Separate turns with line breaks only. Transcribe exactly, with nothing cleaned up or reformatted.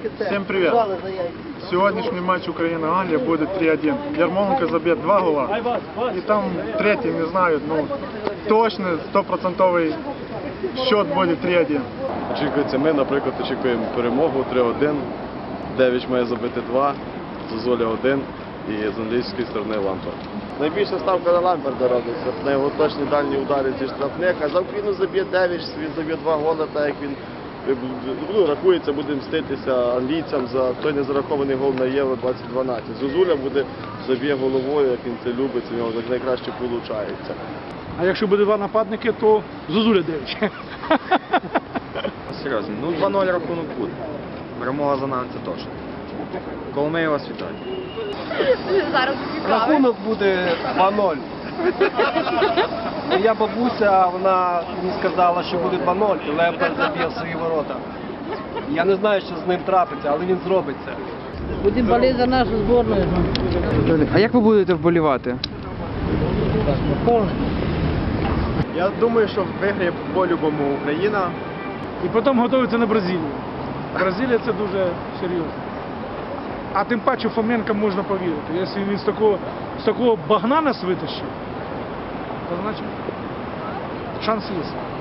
Всем привет! Сегодняшний матч Украина-Англия будет три один. Ярмоленко забьет два гола. И там третий, не знаю, ну точно, стопроцентовий счет буде три один.
Очікується, ми, наприклад, очікуємо перемогу три один. Девіч має забити два, Зозуля один і з англійської сторони Лампард. Найбільша ставка на Лампарда робиться. На його точні дальні удари зі штрафних, а за Україну заб'є Девіч, він заб'є два голи, так як він ну, рахується, буде мститися англійцям за той незарахований гол на Євро двадцять дванадцять. Зозуля буде заб'є головою, як він це любить, у нього так найкраще виходить.
А якщо буде два нападники, то Зозуля Девіч.
Серйозно, ну два нуль рахунок буде. Перемога за нами це точно. Коломиєва вас вітаю.
Зараз
Рахунок буде два нуль. Моя бабуся, вона мені сказала, що буде два нуль, і Лемпард заб'є в свої ворота. Я не знаю, що з ним трапиться, але він зробить це.
Будемо боліти за нашу збірну.
А як ви будете вболівати?
Я думаю, що виграє по-любому Україна.
І потім готуються на Бразилію. Бразилія це дуже серйозно. А тим паче Фоменко можна повірити. Якщо він з такого, з такого багна нас витащив, то значить шанс є.